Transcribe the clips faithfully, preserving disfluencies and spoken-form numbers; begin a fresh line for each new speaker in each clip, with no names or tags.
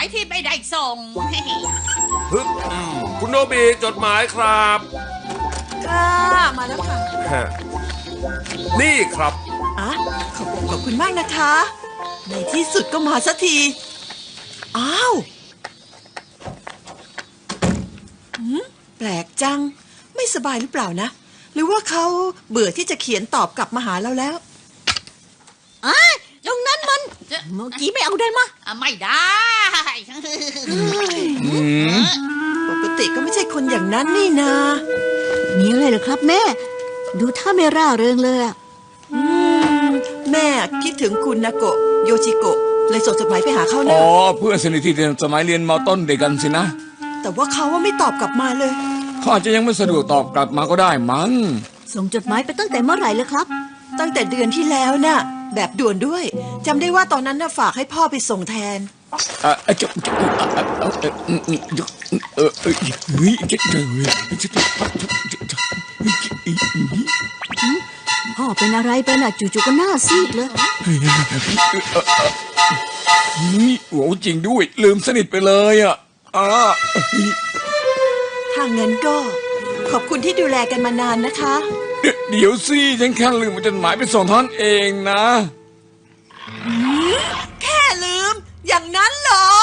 ายที่ไม่ได้ส่ง
ฮึบอืมคุณโนบิจดหมายครับ
ค่ะมาแล้วค่ะ
ฮะนี่ครับ
อ่ะขอบขอบคุณมากนะคะ ในที่สุดก็มาสักที อ้าวหืมแปลกจัง ไม่สบายหรือเปล่านะ หรือว่าเขาเบื่อที่จะเขียนตอบกลับมาหาเราแล้ว
อ่ะตรงนั้นมันเมื่อกี้ไม่เอาได้มะ
อ่ะไม่ได้
ปกติก็ไม่ใช่คนอย่างนั้นนี่นา
มีอะไรเหรอครับแม่ ดูท่าไม่ร่าเริงเลยอะ
อืมแม่คิดถึงคุณนาโกะโยชิโกะเลยส่งจดหมายไปหาเขา
อ๋
นะ
อเพื่อนสนิทที่เรียนสมัยเรียนมต้นเด็กกันสินะ
แต่ว่าเขาว่าไม่ตอบกลับมาเลย
เขาอาจจะยังไม่สะดวกตอบกลับมาก็ได้มั้ง
ส่งจดหมายไปตั้งแต่เมื่อไหร่เลยครับ
ตั้งแต่เดือนที่แล้วน่ะ แบบด่วนด้วยจำได้ว่าตอนนั้นน่ะฝากให้พ่อไปส่งแทน
เออจะเออเออเฮ้ยจะเจอ
พ่อเป็นอะไรไปน่ะจู่ๆก็หน้าซีดเลย
นี่โหจริงด้วยลืมสนิทไปเลยอ่ะอ่า
ถ้างั้นก็ขอบคุณที่ดูแลกันมานานนะคะ
เดี๋ยวสิฉันแค่ลืมจดหมายไปส่งท่านเองนะ
แค่ลืม อย่างนั้นเหรอ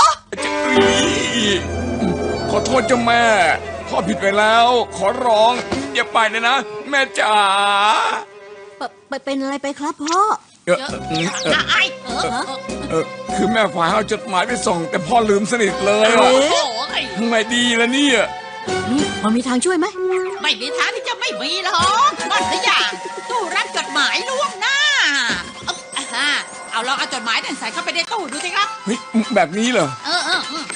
ขอโทษเจ้าแม่พ่อผิดไปแล้ว ขอร้องอย่าไปเลยนะ แม่จ๋า
ไปเป็นอะไรไปครับพ่อ
เออ
เยอะ
เออ
อ่ะไอ้เออเออ
เออคือแม่ฝ่ายเอาจดหมายไปส่ง แต่พ่อลืมสนิทเลย
โอ้
อะ
โห
ทำไงดีล่ะเนี่ย
พอมีทางช่วยไหม
ไม่มีทางที่จะไม่มีหรอกนั่นสิอย่างตู้รับจดหมายล่วงหน้าเอาอ่ะฮะเอาลองเอาจดหมายนั่นใส่เข้าไปในตู้ดูสิครับ
เฮ้ยแบบนี้เหรอ
เออเออเออ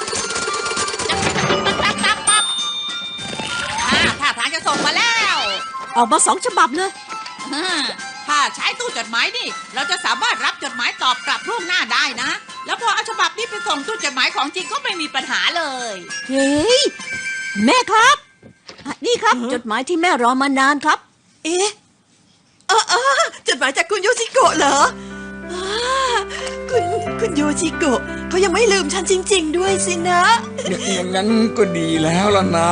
ปั๊บปั๊บปั๊บอ่าถ้าทางจะส่งมาแล้ว
ออกมาสองฉบับเลย
อ่าถ้าใช้ตู้จดหมายนี่เราจะสามารถรับจดหมายตอบกลับล่วงหน้าได้นะ แล้วพอเอาฉบับนี้ไปส่งตู้จดหมายของจริงก็ไม่มีปัญหาเลย
เฮ้ยแม่ครับอ่ะนี่ครับจดหมายที่แม่รอมานานครับ
เอ๊ะเออเออจดหมายจากคุณโยชิโกะเหรออ่าคุณคุณโยชิโกะเขายังไม่ลืมฉันจริง ๆ ด้วยสินะ
อย่างนั้นก็ดีแล้วล่ะนะ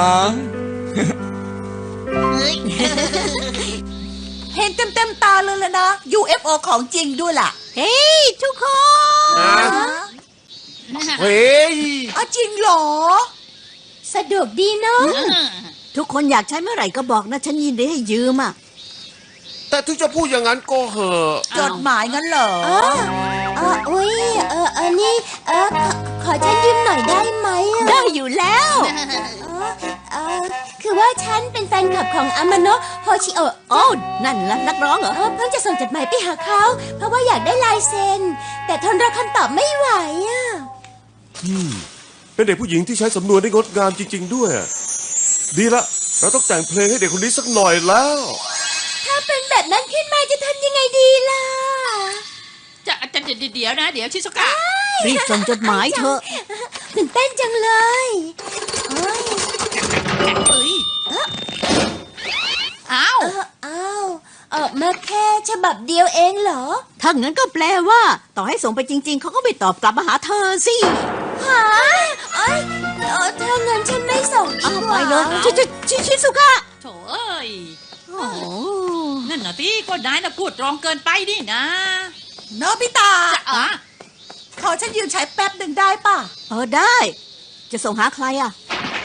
เฮ้ย
เห็นเต็มเต็มตาเลยละนะ ยู เอฟ โอ ของจริงด้วยล่ะ
เฮ้ยทุกคน
เฮ้ย
อ๋อจริงเหรอ
สะดวกดีเนาะ
เออ
ทุกคนอยากใช้เมื่อไหร่ก็บอกนะ ฉันยินดีให้ยืมอ่ะ
แต่ถึงจะพูดอย่างนั้นก็เหอะ
จดหมายงั้นเหรอ
เออเอออุ้ยเออเออนี่เออขอขอฉันยืมหน่อยได้ไหมอะ
ได้อยู่แล้ว
เออเออคือว่าฉันเป็นแฟนคลับของอามาโนะโฮชิโอะ
โอ้นั่นละนักร้องเหรอ
เออเพิ่งจะส่งจดหมายไปหาเขา เพราะว่าอยากได้ลายเซ็น แต่ทนรอคำตอบไม่ไหวอ่ะ
เป็นเด็กผู้หญิงที่ใช้สำนวนได้งดงามจริง ๆ ด้วย ดีละ เราต้องแต่งเพลงให้เด็กคนนี้สักหน่อยแล้ว
ถ้าเป็นแบบนั้นขึ้นมาจะทำยังไงดีล่ะ
จะจะจะเดี๋ยวนะ เดี๋ยวชิซุกะ
รีบส่งจดหมายเถอะ
ตื่นเต้นจังเลยเอ้ย
เอ้ยอ้าว
เอออ้าวออกมาแค่ฉบับเดียวเองเหรอ
ถ้างั้นก็แปลว่า ต่อให้ส่งไปจริง ๆ เขาก็ไม่ตอบกลับมาหาเธอสิ
หาเอ้ยเออถ้างั้นฉันไม่ส่งดี
เอา
ก
ไป
ว่า
เลยชิชิชิชิสุกะ
โถเอ้ย
โอ้โห
นั่นน่ะที่ก็นายน่ะพูดตรงเกินไปนี่นะ
โนบิตะ
จะอ่ะ
ขอฉันยืมใช้แป๊บหนึ่งได้ป่ะ
เออได้ จะส่งหาใครอ่ะ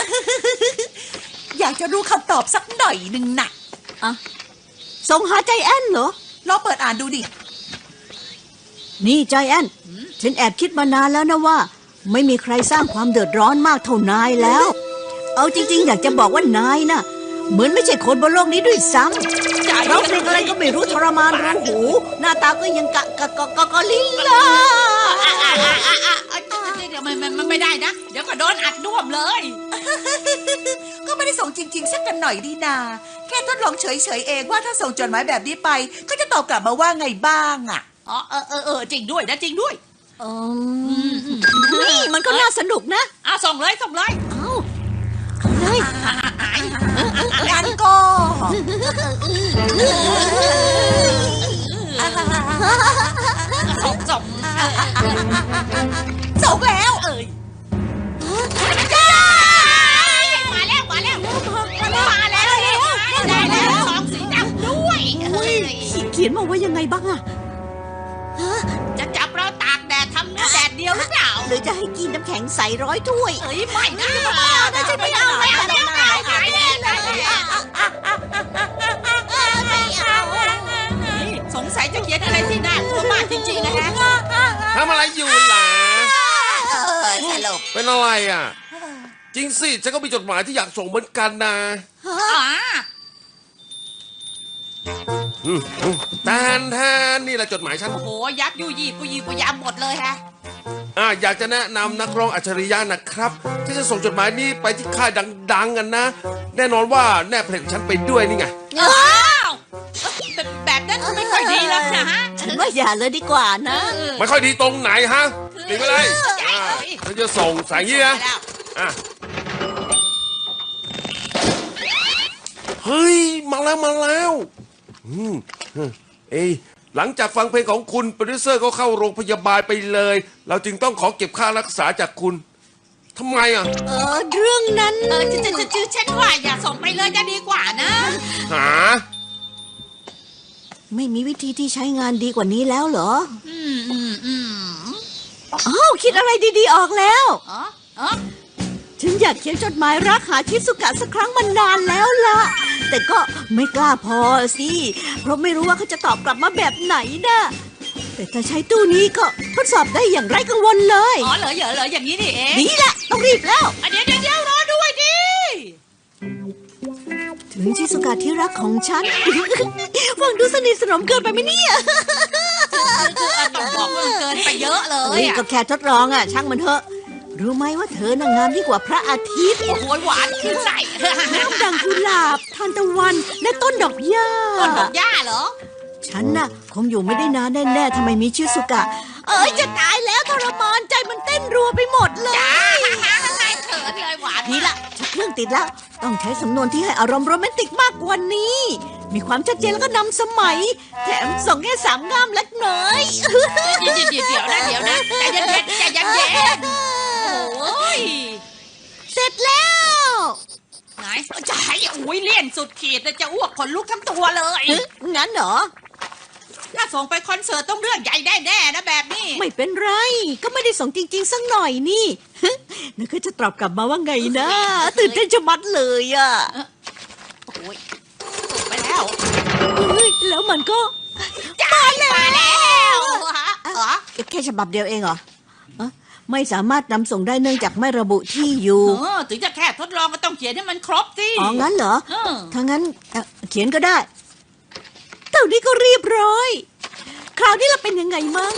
อยากจะรู้คำตอบสักหน่อยหนึ่งน่ะ
อ่ะส่งหาใจแอนเหรอ
ลองเปิดอ่านดูดิ
นี่ใจแอนฉันแอบคิดมานานแล้วนะว่า ไม่มีใครสร้างความเดือดร้อนมากเท่านายแล้ว เอาจริง ๆ อยากจะบอกว่านายน่ะ เหมือนไม่ใช่คนบนโลกนี้ด้วยซ้ำร้องเพลงอะไรก็ไม่รู้ทรมานรูหู หน้าตาก็ยังกะกะกะกะกะลิลลา
อ่ะอ่ะอ่ะอ่ะอ่ะอ่ะเดี๋ยวมันมันมันไม่ได้นะ เดี๋ยวก็โดนอัดน่วมเลย
ก็ไม่ได้ส่งจริง ๆ สักกันหน่อยดีนา แค่ทดลองเฉย ๆ เองว่าถ้าส่งจดหมายแบบนี้ไปเขาจะตอบกลับมาว่าไงบ้างอ่ะ
อ๋อเออเออเออจริงด้วยนะจริงด้วย
เออนี่มันก็น่าสนุกนะ
อ่ะส่งเลยส่งเลย
เอาเอาเลย
อ่ะอ่ะอ่ะ
งั้นก็
ส่งส่ง
ส่งแล้ว
เอ้ย
บ้างอะ
จะจับเราตากแดดทำเนื้อแดดเดียวหรือเปล่า
หรือจะให้กินน้ำแข็งใสร้อยถ้วย
เอ้ยไม่นะไม่เอานะฉันไม่เอาไม่เอาไม่เอาไม่เอาไม่เอาสงสัยจะเขียนอะไรที่น่ากลัวมากจริงๆนะฮะ
ทำอะไรอยู่ล่ะ
เออสลบ
เป็นอะไรอ่ะ จริงสิฉันก็มีจดหมายที่อยากส่งเหมือนกันนะ
อ๋อ
อืมอืมแทนแทนนี่แหละจดหมายฉัน
โอ้โหยับยุยี่ปุยปุยยามหมดเลยฮะ
อ่าอยากจะแนะนำนักร้องอัจฉริยะนะครับ ที่จะส่งจดหมายนี้ไปที่ค่ายดังๆกันนะ แน่นอนว่าแนบเพลงของฉันไปด้วยนี่ไง
อ้าวแบบแบบนั้นไม่ค่อยดีแล้วนะฮะ
ฉันว่าอย่าเลยดีกว่านะ
ไม่ค่อยดีตรงไหนฮะดีไปเลยอ่าฉันจะส่งสายนี้นะอ่ะเฮ้ยมาแล้วมาแล้วอืมเอ้ยหลังจากฟังเพลงของคุณโปรดิวเซอร์ก็เข้าโรงพยาบาลไปเลย เราจึงต้องขอเก็บค่ารักษาจากคุณทำไมอ่ะ
เออเรื่องนั้น
เออจะจะจะจะฉันว่าอย่าส่งไปเลยจะดีกว่านะ
หา
ไม่มีวิธีที่ใช้งานดีกว่านี้แล้วเหรอ
อืมอืมอืม
อ้าวคิดอะไรดีๆออกแล้ว
อ๋ออ๋อ
ฉันอยากเขียนจดหมายรักหาชิสุกะสักครั้งมานานแล้วล่ะ แต่ก็ไม่กล้าพอสิ เพราะไม่รู้ว่าเขาจะตอบกลับมาแบบไหนนะแต่ถ้าใช้ตู้นี้ก็ทดสอบได้อย่างไร้กังวลเลย
อ๋อเหรอเหรอเหรออย่างนี้นี่เอง
นี่แหละต้องรีบแล้ว
อ่ะเดี๋ยวเดี๋ยวเดี๋ยวรอด้วยดิ
ถึงชิสุกะที่รักของฉัน ฟังดูสนิทสนมเกินไปไหมเนี่ย
คือเออต้องบอกว่ามันเกินไปเยอะเล
เฮ้
ย
ย
อ่ะ
ก็แค่ทดลองอ่ะ ช่างมันเถอะ รู้ไหมว่าเธอนางงามยิ่งกว่าพระอาทิตย์
โอ้โหหวานขึ้นใส่
น้ำดังกุหลาบทานตะวัน และต้นดอกหญ้า
ต้นดอกหญ้าเหรอ
ฉันน่ะ คงอยู่ไม่ได้นานแน่ๆทำไมมีชิสุกะ เอ้ยจะตายแล้วทรมานใจมันเต้นรัวไปหมดเลย
จ้าเขินเลยหวาน
นี่ละชักเครื่องติดแล้ว ต้องใช้สำนวนที่ให้อารมณ์โรแมนติกมากกว่านี้ มีความชัดเจนแล้วก็นำสมัย แถมส่งแค่สามงามเล็กน้อย
เดี๋ยวเดี๋ยวเดี๋ยวนะเดี๋ยวนะใจเย็นเย็นใจเย็นเย็นโอ้ย
เสร็จแล้ว
ไหนจะให้อุ้ยเลี่ยนสุดขีดเลยจะอ้วกขนลุกทั้งตัวเลย
เอ๊ะงั้นเหรอ
ถ้าส่งไปคอนเสิร์ตต้องเรื่องใหญ่แน่ๆนะแบบนี้
ไม่เป็นไร ก็ไม่ได้ส่งจริงๆสักหน่อยนี่ นึกว่าจะตอบกลับมาว่าไงนะ ตื่นเต้นจะมัดเลยอ่ะ
โอ้ยส่งไปแล้ว
เฮ้ยแล้วมันก็
จ่ายมาแล้วฮะอ๋อ
แค่ฉบับเดียวเองเหรอเอ๊ะไม่สามารถนำส่งได้เนื่องจากไม่ระบุที่อยู่
เออถึงจะแค่ทดลองก็ต้องเขียนให้มันครบสิ
อ๋อ งั้นเหรอ
เออ
ถ้างั้นเอ่อเขียนก็ได้เท่านี้ก็เรียบร้อย คราวนี้เราเป็นยังไงมั่ง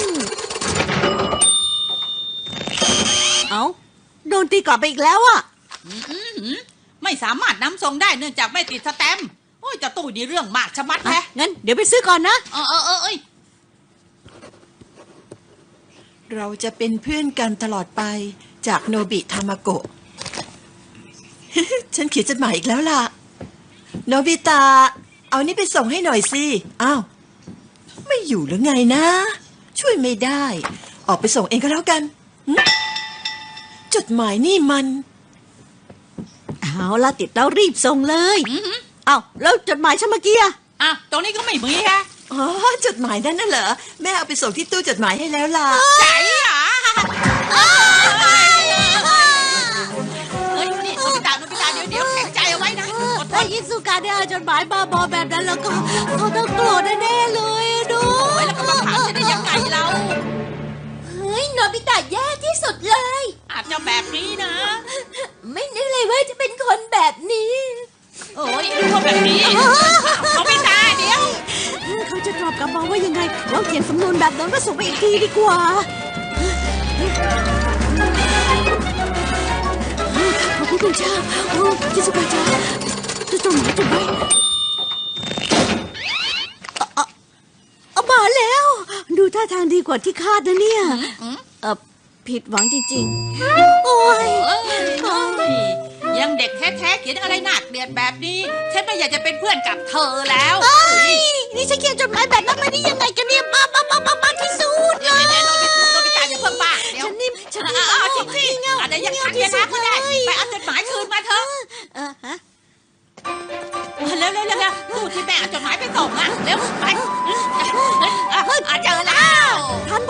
เอาโดนตีกลับไปอีกแล้วอะ
อืมอืมอืมไม่สามารถนำส่งได้เนื่องจากไม่ติดสแตมป์โอ้ยเจะตู้นี่เรื่องมากชะมัด
อ่ะ
แฮะ
งั้นเดี๋ยวไปซื้อก่อนนะ
เออเออเออเอ้ย
เราจะเป็นเพื่อนกันตลอดไปจากโนบิทามาโกะ ฉันเขียนจดหมายอีกแล้วล่ะ โนบิตะเอานี่ไปส่งให้หน่อยสิ อ้าว ไม่อยู่หรือไงนะ ช่วยไม่ได้ ออกไปส่งเองก็แล้วกันหึจดหมายนี่มัน
เอาละติดแล้วรีบส่งเลย
อือหือ
เอาแล้วจดหมายฉันเมื่อกี้อะ
อ่ะตรงนี้ก็ไม่มีฮะ
อ๋อ จดหมายนั่นน่ะเหรอ แม่เอาไปส่งที่ตู้จดหมายให้แล้วล่ะ
ใจอ่ะเฮ้ยนี่โนบิตะโนบิตะเดี๋ยวเดี๋ยวแข็งใจเอาไว้นะอดท
ถ้าน ยิสุกะได้เอาจดหมายบ้าบอแบบนั้นแล้วก็เขาต้องโกรธแน่ๆเลยอะดู
โอ้ยแล้วก็มาถามฉันได้ยังไงเรา
เฮ้ยโนบิตะแย่ที่สุดเลย
อาจจะแบบนี้นะ
ไม่นึกเลยว่าจะเป็นคนแบบนี้
โอ้ยรู้ว่าแบบนี้โนบิตะเดี๋ยว
เขาจะตอบกลับมาว่ายังไงเราเขียนสำนวนแบบนั้นมาส่งไปอีกทีดีกว่าขอบคุณเจ้าโอ้ยิสุกะจ้าจะจดหมายจดไว้เอาเอามาแล้ว ดูท่าทางดีกว่าที่คาดนะเนี่ยเออผิดหวังจริงๆ โอ้ย
เอ้ยยังเด็กแท้ๆเขียนอะไรหนักเดือดแบบนี้ ฉันไม่อยากจะเป็นเพื่อนกับเธอแล้ว
เอ้ยนี่ฉันเขียนจดหมายแบบนั้นมาได้ยังไงกันเนี่ยบ้าบ้าบ้าบ้าบ้าที่สุด
เดี๋ยวเดี๋ยวโนบิโนบิตะอย่าเพิ่งบ้าเดี๋ยว
ฉันนี่ฉัน
อ่ะ
นี่
อ่ะจริงสิ
เงา
อะไรยังทันเนี่ยนะก็ได้ไปเอาจดหมายคืนมาเถอะ
เออฮะ
เร็วเร็วเร็วเร็วตู้ที่แม่เอาจดหมายไปส่งอ่ะเร็วไปอ่ะ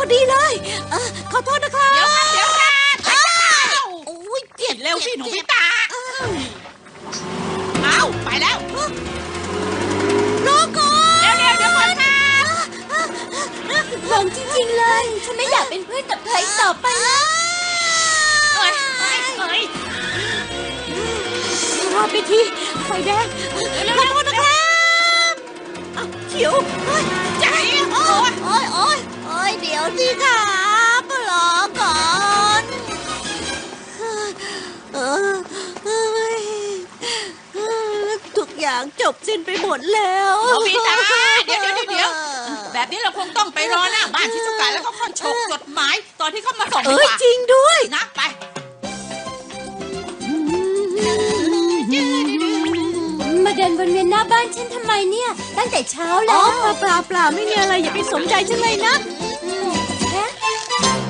ดีเลยเออขอโทษนะครับ
เดี๋ยวกันเดี๋ยวกันอ้าว
โอ้ยเจ็บ
เร็วสิหนู
เจ็
พิ
บ
ตาเอาไปแล้ว
รอก่อน
เร็วเร็วเดี๋ยวก่อนค่ะ
หลงจริงๆเลย ฉันไม่อยากเป็นเพื่อนกับเธออีกต่อไปแล้ว
เอ้ยเอ้ยเอ้ย
รอไปทีไฟแดง
เร็วเร็วเร็วนะครับ
อ้าวเขียวเฮ้ย
ใจโอ้ย
โอ้ยโอ้ยโอ้ยเดี๋ยวสิครับรอก่อนเออเอ้ยเออทุกอย่างจบสิ้นไปหมดแล้ว
หนูพิตาเดี๋ยวเดี๋ยวเดี๋ยวแบบนี้เราคงต้องไปรอหน้าบ้านชิซุกะแล้วก็ค่อยฉกจดหมายตอนที่เขามาส่ง
เอ
ดี
อก
ว่า
จริงด้วย
นะไป
มาเดินวนเวียนหน้าบ้านฉันทำไมเนี่ย ตั้งแต่เช้า
อ๋
แล้
อ
ว
เปล่าเปล่าเปล่าไม่มีอะไรอย่าไปสนใจฉันเลยนะ
ฮะ